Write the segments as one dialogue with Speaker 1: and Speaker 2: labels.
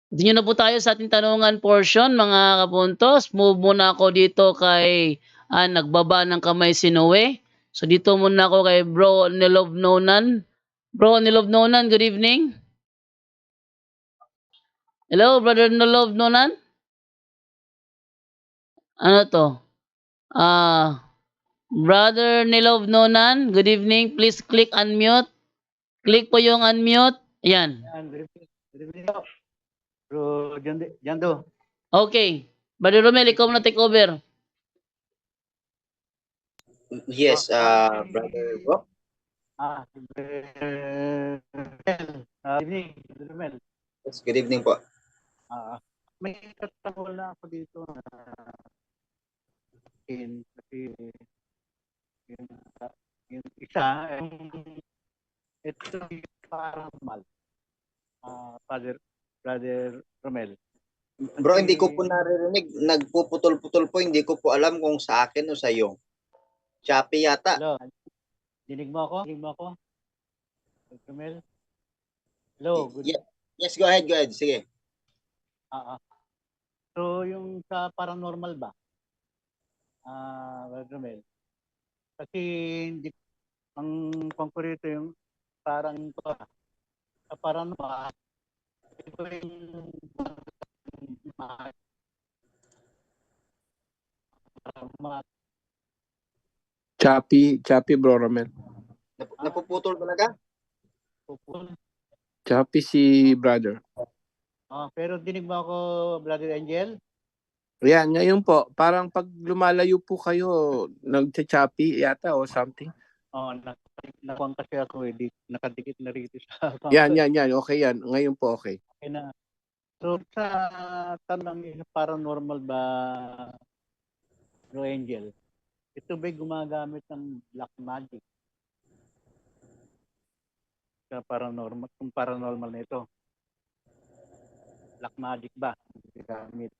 Speaker 1: Continue na po tayo sa ating tanungan portion mga kabuntos. Move muna ako dito kay nagbaba ng kamay si Noe. So dito muna ako kay Bro Nilov Nonan. Bro Nilov Nonan, good evening. Hello, Brother Nilov Nonan. Ano to? Brother Nilov Nonan, good evening. Please click unmute. Click po yung unmute. Ayan.
Speaker 2: Good evening po. Bro Jando.
Speaker 1: Okay. Brother Romel, ikaw na take over.
Speaker 3: Yes, Brother Rock.
Speaker 2: Good evening, Brother Romel.
Speaker 3: Yes, good evening po.
Speaker 2: May katanungan na ako dito na kasi yung isa, ito yung paranormal. Brother Romel.
Speaker 3: Bro, hindi ko po naririnig. Nagpuputol-putol po. Hindi ko po alam kung sa akin o sa iyo. Shopee yata.
Speaker 2: Hello. Dinig mo ako? Brother Romel? Hello.
Speaker 3: Yes, go ahead. Sige.
Speaker 2: So, yung sa paranormal ba? Brother Romel? Kasi hindi ang pangkurito yung parang sa paranormal. Ito yung
Speaker 4: Choppy Bro Romel.
Speaker 3: Napuputol talaga?
Speaker 4: Choppy si brother.
Speaker 2: Pero dinig mo ako, Brother Angel?
Speaker 4: Yan, ngayon po, parang pag lumalayo po kayo, nag-choppy yata o something.
Speaker 2: Nakuha kasi ako nakadikit na rito sa
Speaker 4: Yan. Okay yan. Ngayon po okay.
Speaker 2: Okay na. So, sa tanong paranormal ba, Bro Angel, ito ba'y gumagamit ng black magic? Sa paranormal, kung paranormal na ito. Black magic ba? Gamit.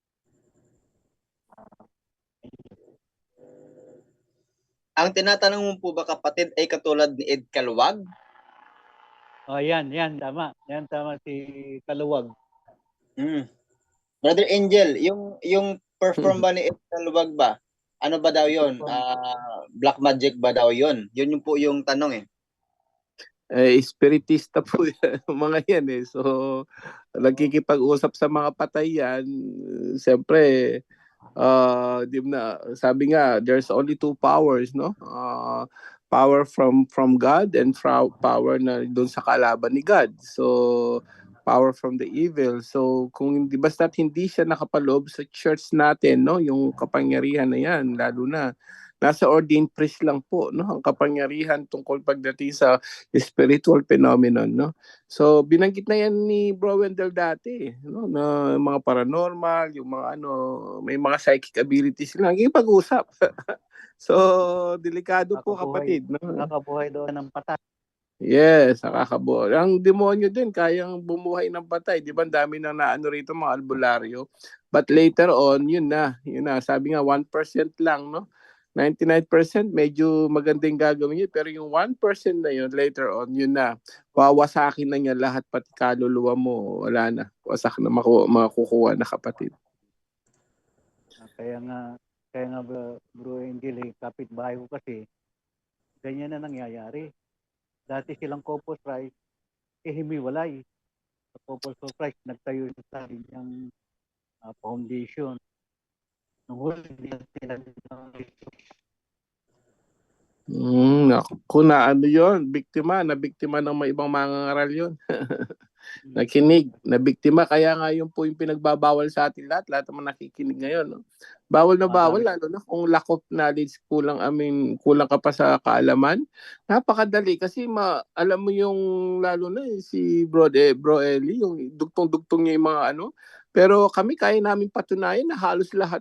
Speaker 3: Ang tinatanong mo po ba kapatid ay katulad ni Ed Kaluwag?
Speaker 2: Yan, tama. Yan, tama si Kaluwag.
Speaker 3: Brother Angel, yung perform ba ni Ed Kaluwag ba? Ano ba daw yun? Black magic ba daw yun? Yun po yung tanong
Speaker 4: Spiritista po yan, mga yan eh. So, nagkikipag-usap sa mga patay yan. Siyempre, di na, sabi nga, there's only two powers, no? Power from God and power na doon sa kalaban ni God. So, power from the evil. So, kung hindi, basta't hindi siya nakapaloob sa church natin, no? Yung kapangyarihan na yan, lalo na nasa ordained priest lang po, no, ang kapangyarihan tungkol pagdating sa spiritual phenomenon, no. So binanggit na yan ni Bro Wendell dati, no, na mga paranormal, yung mga may mga psychic abilities lang, yung pag-usap. So delikado po kapatid, no.
Speaker 2: Nakabuhay doon ng patay.
Speaker 4: Yes, nakakabuhay. Ang demonyo din kayang bumuhay ng patay, di ba? Ang dami nang naano rito mga albularyo. But later on, yun na. Sabi nga 1% lang, no. 99% medyo magandang gagawin niya, pero yung 1% na yun, later on, yun na. Wawasakin na niya lahat, pati kaluluwa mo, wala na. Wasak na makukuha na kapatid.
Speaker 2: Kaya nga Bro Angel, kapitbahay ko kasi, ganyan na nangyayari. Dati silang Corpus Christ, himiwalay. Sa Corpus Christ, nagtayo sa kanyang foundation. Nung huli,
Speaker 4: Kung yun, nabiktima ng mga ibang mangangaral yun. Nakinig, nabiktima, kaya nga yun po yung pinagbabawal sa atin lahat naman nakikinig ngayon. No? Bawal na bawal, lalo na kung lack of knowledge, kulang ka pa sa kaalaman. Napakadali kasi alam mo yung lalo na si Bro Eli, yung dugtong-dugtong niya yung mga pero kami kaya namin patunayan na halos lahat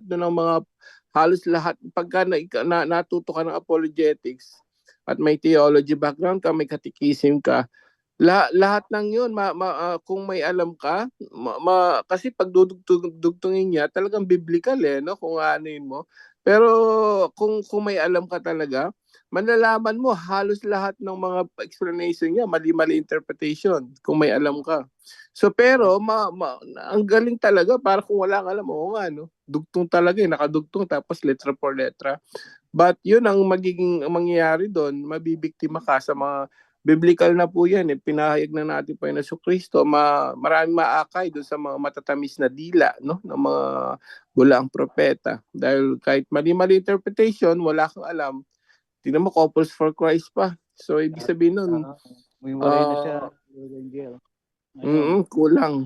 Speaker 4: pagka natuto ka ng apologetics at may theology background ka, may catechism ka, lahat ng yun kung may alam ka, kasi pag dudugtungin niya talagang biblical no, kung ano mo. Pero kung may alam ka talaga, manlalaman mo halos lahat ng mga explanation niya, mali-mali interpretation kung may alam ka. So pero ang galing talaga, para kung wala kang alam, oo nga, no? Dugtong talaga, nakadugtong tapos letra por letra. But yun ang mangyayari doon, mabibiktima ka sa mga biblical na po yan. Pinahayag na natin po yung Jesucristo, maraming maakay doon sa mga matatamis na dila, no? Ng mga bulaang propeta. Dahil kahit mali-mali interpretation, wala kang alam, tingnan mo, couples for Christ pa. So, ibig sabihin nun,
Speaker 2: May waray na siya, Brother Angel.
Speaker 4: kulang.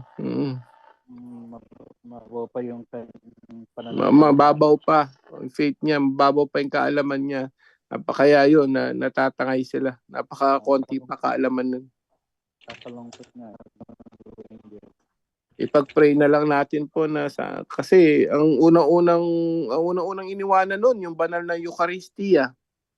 Speaker 2: Mababaw pa yung pananampalataya.
Speaker 4: Mababaw pa. Ang faith niya, mababaw pa yung kaalaman niya. Kaya yun, natatangay sila. Napaka-konti pa kaalaman nun.
Speaker 2: Kakalungkot nga. Brother Angel.
Speaker 4: Ipag-pray na lang natin po na kasi ang unang-unang iniwanan nun, yung banal na Eucharistia.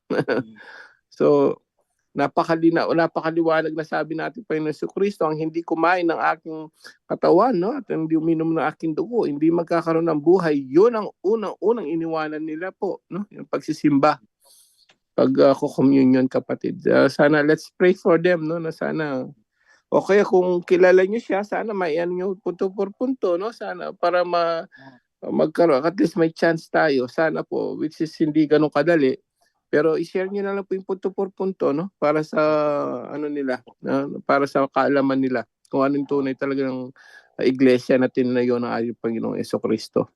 Speaker 4: So, napakaliwanag na sabi natin pa yung Jesucristo, ang hindi kumain ng aking katawan, no, at hindi uminom ng aking dugo, hindi magkakaroon ng buhay. Yun ang unang iniwanan nila po, no, yung pagsisimba, pag-communion, kapatid. Sana let's pray for them, no, na sana, o kaya kung kilala nyo siya, sana maiyan nyo punto por punto, no, sana para magkaroon, at least may chance tayo, sana po, which is hindi ganun kadali. Pero i-share niyo na lang po yung punto por punto, no? Para sa nila, para sa kaalaman nila kung anong tunay talaga ng iglesia na tinayo ng ating Panginoong Jesucristo.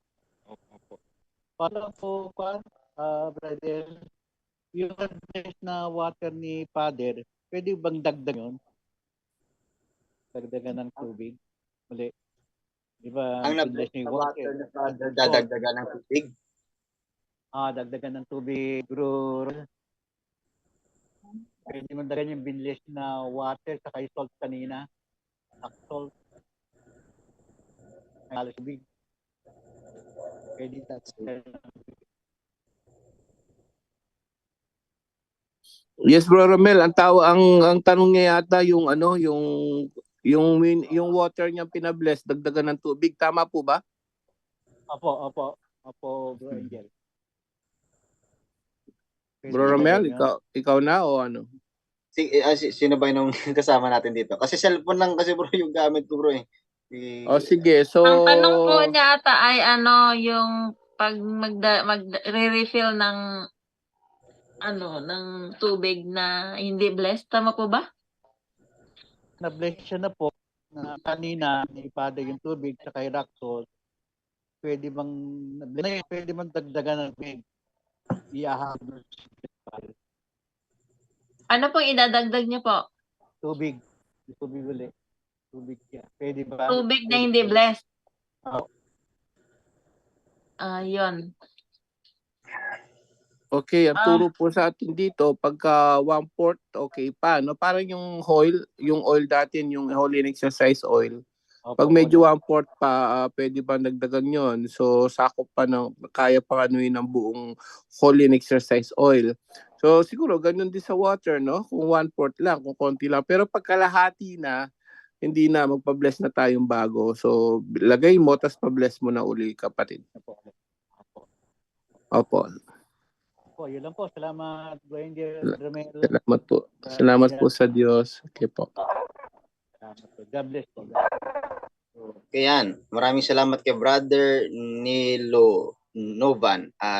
Speaker 2: Para po, brother, yung advice na water ni Father, pwede bang dagdag yun? Dagdagan ng tubig? Muli. Di ba?
Speaker 3: Ang
Speaker 2: advice
Speaker 3: na-bless na water na Father, dadagdagan ng tubig.
Speaker 2: Dagdagan ng tubig, bro. Pwede mo dagdagan yung binlis na water sa salt kanina. Salt. Halos tubig. Pwede
Speaker 4: Yes, Bro Romel, ang tanong niya yata yung yung water niya pinabless, dagdagan ng tubig, tama po ba?
Speaker 2: Opo, Bro Angel.
Speaker 4: Bro Romel, ikaw na o ano?
Speaker 3: Sino ba yung kasama natin dito? Kasi cellphone lang kasi bro yung gamit ko bro eh.
Speaker 4: Sige, so
Speaker 5: ang tanong po niya ata ay yung pag magre-refill ng ng tubig na hindi blessed, tama po ba?
Speaker 2: Na-bless siya na po na kanina naipada yung tubig sa kay rock salt. Pwede bang dagdagan ng tubig? Iahagod.
Speaker 5: Ano pong idadagdag niyo po?
Speaker 2: Tubig ulit. Tubig siya. Pwede ba?
Speaker 5: Tubig na hindi blessed.
Speaker 2: Oo.
Speaker 5: Yun.
Speaker 4: Okay, ang turo po sa atin dito, pagka 1/4, okay pa, no? Parang yung oil natin, yung Holy Exercise Oil. Pag medyo 1/4 pa, pwede pa nagdagan yon. So, sakop pa kaya pa anuin ng buong Holy Exercise Oil. So, siguro, ganun din sa water, no? Kung 1/4 lang, kung konti lang. Pero pag kalahati na, hindi na, magpa-bless na tayong bago. So, lagay mo, tas pa-bless mo na uli, kapatid. Opo.
Speaker 2: Yun lang po. Salamat, Bro Angel.
Speaker 4: Salamat po. Salamat po sa Diyos. Okay po.
Speaker 2: Salamat po. God bless po.
Speaker 3: Kaya yan, maraming salamat kay Brother Nilo Novan.